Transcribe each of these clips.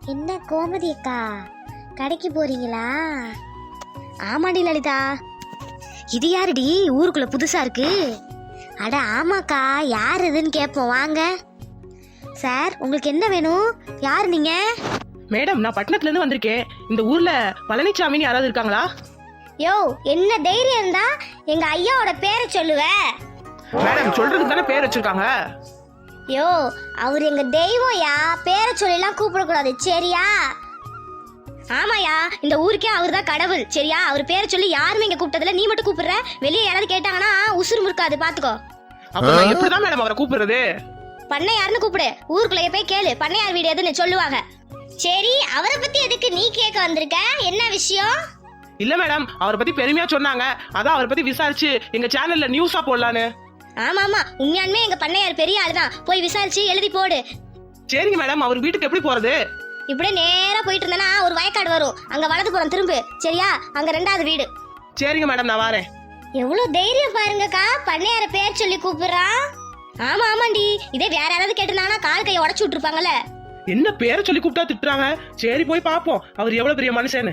என்ன கோமதி அக்கா, கடைக்கு போறீங்களா? ஆமாடி லலிதா. இது யாருடி ஊருக்குள்ள புதுசா இருக்கு? அட ஆமாக்கா, யார் இதுன்னு கேட்போம் வாங்க. சார், உங்களுக்கு என்ன வேணும்? யார் நீங்க? மேடம், நான் பட்டணத்துல இருந்து வந்திருக்கேன். இந்த ஊர்ல பழனிசாமின்னு யாராவது இருக்காங்களா? யோ, என்ன தைரியம் இருந்தா எங்க ஐயாவோட பேரை சொல்லுவ? மேடம், சொல்றதுக்கு தானே பேர் வச்சிருக்காங்க. யோ, அவர் எங்க தெய்வம்யா, பேரை சொல்லிலாம் கூப்பிடக்கூடாது சரியா? ஆமாயா, இந்த ஊருக்கே அவர் தான் கடவுள் சரியா? அவர் பேரை சொல்லி யாருமே இங்க கூப்பிட்டதில்ல, நீ மட்டும் கூப்பிடுற. வெளியே யாராவது கேட்டாங்கன்னா உசுறு முறுக்காது பாத்துக்கோ. அப்ப நான் எப்படிதான் மேடம் அவரை கூப்பிடுறது? பண்ணையாருன்னு கூப்பிடு, ஊருக்குள்ளே போய் கேளு பண்ணையார் வீடு எதுன்னு சொல்லுவாங்க. சரி, அவரை பத்தி எதுக்கு நீ கேட்க வந்திருக்க? என்ன விஷயம்? இல்ல மேடம், அவரை பத்தி பெருமையா சொன்னாங்க, அதான் அவரை பத்தி விசாரிச்சு எங்க சேனல்ல நியூஸா போடலான்னு. ஆமா ஆமா, உண்மையாலுமே எங்க பண்ணையார் பெரிய ஆளுதான், போய் விசாரிச்சு எழுதி போடு. சரிங்க மேடம், அவர் வீட்டுக்கு எப்படி போறது? இப்படியே நேரா போயிட்டு இருந்தேன்னா ஒரு வயக்காடு வரும், அங்க வலது புறம் திரும்பு சரியா? அங்க 2வது வீடு. சரிங்க மேடம், நான் வரேன். எவ்வளவு தைரியம் பாருங்கக்கா, பண்ணையார பேர் சொல்லி கூப்பிடுறான். ஆமா ஆமாண்டி, இதே வேற யாராவது கேட்டிருந்தாங்கன்னா கால் கையை உடச்சு விட்டுருப்பாங்கல்ல. என்ன பேரை சொல்லி கூப்பிட்டா திட்டுறாங்க? சரி, போய் பாப்போம் அவர் எவ்வளவு பெரிய மனுஷன்னு.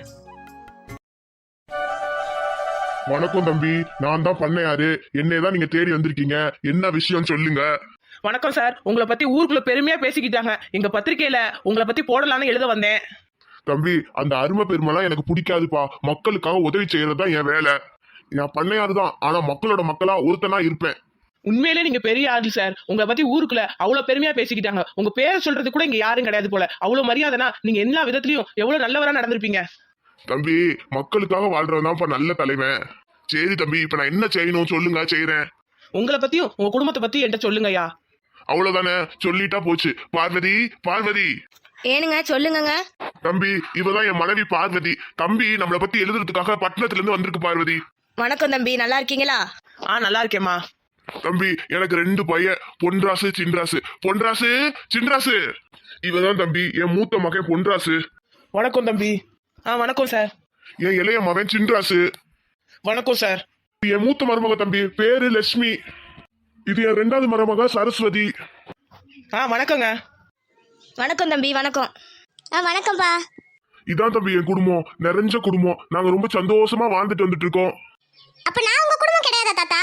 வணக்கம் தம்பி, நான் தான் பண்ணையாரு. என்னையதான் நீங்க தேடி வந்திருக்கீங்க, என்ன விஷயம் சொல்லுங்க. வணக்கம் சார், உங்களை பத்தி ஊருக்குள்ள பெருமையா பேசிக்கிட்டாங்க. எங்க பத்திரிக்கையில உங்களை பத்தி போடலான்னு எழுத வந்தேன். தம்பி, அந்த அருமை பெருமைலாம் எனக்கு பிடிக்காதுப்பா. மக்களுக்காக உதவி செய்யறதுதான் என் வேலை. நான் பண்ணையாரு தான், ஆனா மக்களோட மக்களா ஒருத்தனா இருப்பேன். உண்மையிலே நீங்க பெரிய ஆளு சார். உங்களை பத்தி ஊருக்குள்ள அவ்வளவு பெருமையா பேசிக்கிட்டாங்க. உங்க பேரை சொல்றது கூட இங்க யாரும் கிடையாது போல. அவ்வளவு மரியாதைனா நீங்க எல்லா விதத்திலயும் எவ்வளவு நல்லவரா நடந்திருப்பீங்க. தம்பி, மக்களுக்காக வாழ்றவன்தான்ப்பா நல்ல தலைவன். சரி தம்பி, இப்ப நான் என்ன செய்யணும் சொல்லுங்க, செய்யறேன். உங்களை பத்தியும் உங்க குடும்பத்தை பத்தி என்கிட்ட சொல்லுங்கய்யா. அவ்வளவுதானே, சொல்லிட்டா போச்சு. பார்வதி, பார்வதி. ஏனுங்க சொல்லுங்க. தம்பி, இவதான் என் மனைவி பார்வதி. தம்பி நம்மளை பத்தி எழுதுறதுக்காக பட்டணத்துல இருந்து வந்திருக்கு பார்வதி. வணக்கம் தம்பி, நல்லா இருக்கீங்களா? நல்லா இருக்கேம்மா. தம்பி, எனக்கு 2 பையன், பொன்ராசு சின்ராசு. பொன்ராசு சின்ராசு. இவதான் தம்பி என் மூத்த மகன் பொன்ராசு. வணக்கம் தம்பி. வணக்கம் சார். என் இளைய மகன் சின்ராசு. வணக்கம் சார். என் மூத்த மருமக தம்பி பேரு லட்சுமி. இது என் 2வது மருமக சரஸ்வதி. வணக்கங்க. வணக்கம் தம்பி. வணக்கம். வணக்கம்பா. இதான் தம்பி என் குடும்பம், நிறைஞ்ச குடும்பம். நாங்க ரொம்ப சந்தோஷமா வாழ்ந்துட்டு வந்துட்டு இருக்கோம். அப்ப நான் உங்க குடும்பம் கிடையாதா தாத்தா?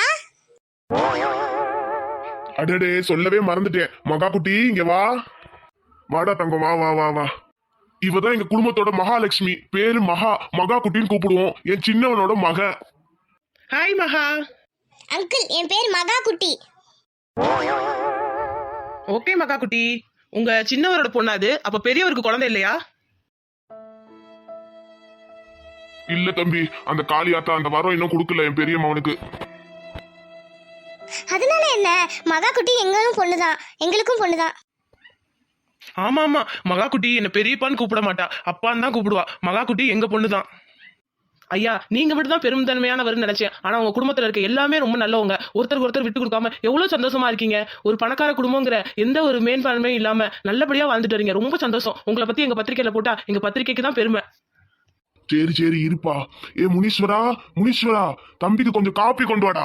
அடடே, சொல்லவே மறந்துட்டேன். மகா குட்டி, இங்க வா. வாடா தங்கம், வா வா வா வா. இவதான் எங்க குடும்பத்தோட மகாலட்சுமி. பேரு மகா. மகா குட்டின்னு கூப்பிடுவோம். என் சின்னவனோட மக. ஹாய் மகா. அங்கிள், என் பேர் மகா குட்டி. ஓகே மகா குட்டி, உங்க சின்னவரோட பொண்ணாது. அப்ப பெரியவருக்கு குழந்தை இல்லையா? இல்ல தம்பி, அந்த காளியாத்தா அந்த வரம் இன்னும் கொடுக்கல என் பெரிய மகனுக்கு. அதனால என்ன, மகா குட்டி எங்களும் பொண்ணுதான், எங்களுக்கும் பொண்ணுதான். ஆமா ஆமா, மகா குட்டி என்ன பெரியப்பான்னு கூப்பிட மாட்டா, அப்பான்னு தான் கூப்பிடுவா. மகா குட்டி எங்க பொண்ணுதான். ஐயா, நீங்க மட்டும் தான் பெருந்தன்மையானவர்னு நினைச்சேன். ஆனா உங்க குடும்பத்துல இருக்க எல்லாமே ரொம்ப நல்லவங்க. ஒருத்தருக்கு ஒருத்தர் விட்டு கொடுக்காம எவ்வளவு சந்தோஷமா இருக்கீங்க. ஒரு பணக்கார குடும்பங்கிற எந்த ஒரு மேன்பான்மையும் இல்லாம நல்லபடியா வாழ்ந்துட்டு வரீங்க. ரொம்ப சந்தோஷம். உங்களை பத்தி எங்க பத்திரிக்கையில போட்டா எங்க பத்திரிக்கைக்கு தான் பெருமை. சரி சரி இருப்பா. ஏ முனீஸ்வரா, முனீஸ்வரா, தம்பிக்கு கொஞ்சம் காப்பி கொண்டு வாடா.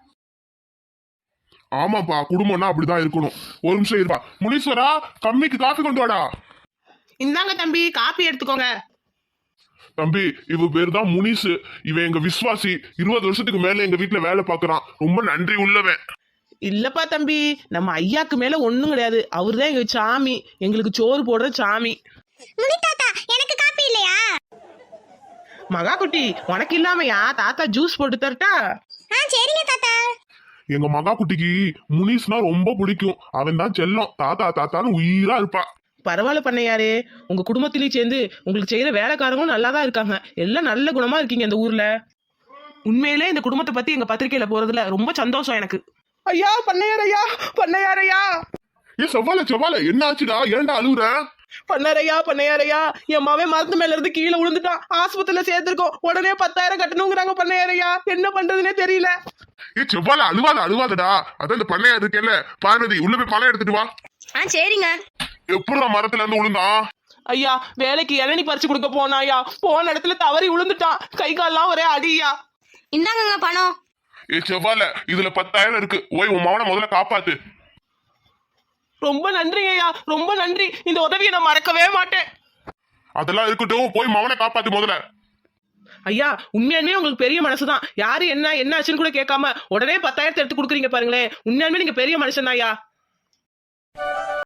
ஆமாப்பா, குடும்பம்னா அப்படிதான் இருக்கணும். ஒரு நிமிஷம் இருப்பா. முனீஸ்வரா, தம்பிக்கு காப்பி கொண்டு வாடா. இந்தாங்க தம்பி, காப்பி எடுத்துக்கோங்க. தம்பி, இவ பேர் தான் முனிசு. இவன் எங்க விசுவாசி. 20 வருஷத்துக்கு மேல எங்க வீட்டுல வேலை பாக்குறான். ரொம்ப நன்றி உள்ளவன். இல்லப்பா தம்பி, நம்ம ஐயாக்கு மேல ஒண்ணும் கிடையாது. அவருதான் எங்க சாமி, எங்களுக்கு சோறு போடுற சாமி. முனி தாத்தா, எனக்கு காப்பி இல்லையா? மகா குட்டி, உனக்கு இல்லாமையா தாத்தா ஜூஸ் போட்டு தரட்டா? சரிங்க தாத்தா. எங்க மகா குட்டிக்கு முனிஸ்னா ரொம்ப பிடிக்கும். அவன் தான் செல்லம். தாத்தா தாத்தான்னு உயிரா இருப்பா. பரவாயில்ல பண்ணையாரே, உங்க குடும்பத்திலயும் சேர்ந்து உங்களுக்கு செய்யற வேலைக்காரங்களும் நல்லா தான் இருக்காங்க. எல்லாம் நல்ல குணமா இருக்கீங்க இந்த ஊர்ல. உண்மையிலே இந்த குடும்பத்தை பத்தி எங்க பத்திரிக்கையில போறதுல ரொம்ப சந்தோஷம் எனக்கு. ஐயா பண்ணையாரையா, பண்ணையாரையா. ஏ செவ்வால செவ்வால, என்ன ஆச்சுடா? ஏன்டா அழுகுற? பண்ணையாரையா, பண்ணையாரையா, என் மாவன் மரத்து மேல இருந்து கீழே விழுந்துட்டான். ஆஸ்பத்திரியில சேர்த்திருக்கோம். உடனே 10,000 கட்டணுங்கிறாங்க பண்ணையாரையா. என்ன பண்றதுன்னே தெரியல. ஏ செவ்வால, அழுவாத அழுவாதடா. அதான் இந்த பண்ணையா இருக்கேல்ல பார்வதி, உள்ள போய் பணம் எடுத்துட்டு வா. சரிங்க. எப்படா மரத்துல இருந்து விழுந்தான்? ஐயா, வேலைக்கு இளநீ பறிச்சு கொடுக்க போனாயா, போன இடத்துல தவறி விழுந்துட்டான். கை கால்லாம் ஒரே அடியா. இந்தாங்க பணம். ஏ செவ்வால, இதுல 10,000 இருக்கு. ஓய், உன் மகனை முதல்ல காப்பாத்து. ரொம்ப நன்றி ஐயா, ரொம்ப நன்றி. இந்த உதவியை நான் மறக்கவே மாட்டேன். அதெல்லாம் இருக்கட்டும், போய் மவனை காப்பாத்து முதல்ல. ஐயா உண்மையாலுமே உங்களுக்கு பெரிய மனசுதான். யாரு என்ன ஆச்சுன்னு கூட கேட்காம உடனே 10,000 எடுத்து கொடுக்குறீங்க பாருங்களேன். உண்மையாலுமே நீங்க பெரிய மனுஷன் ஐயா.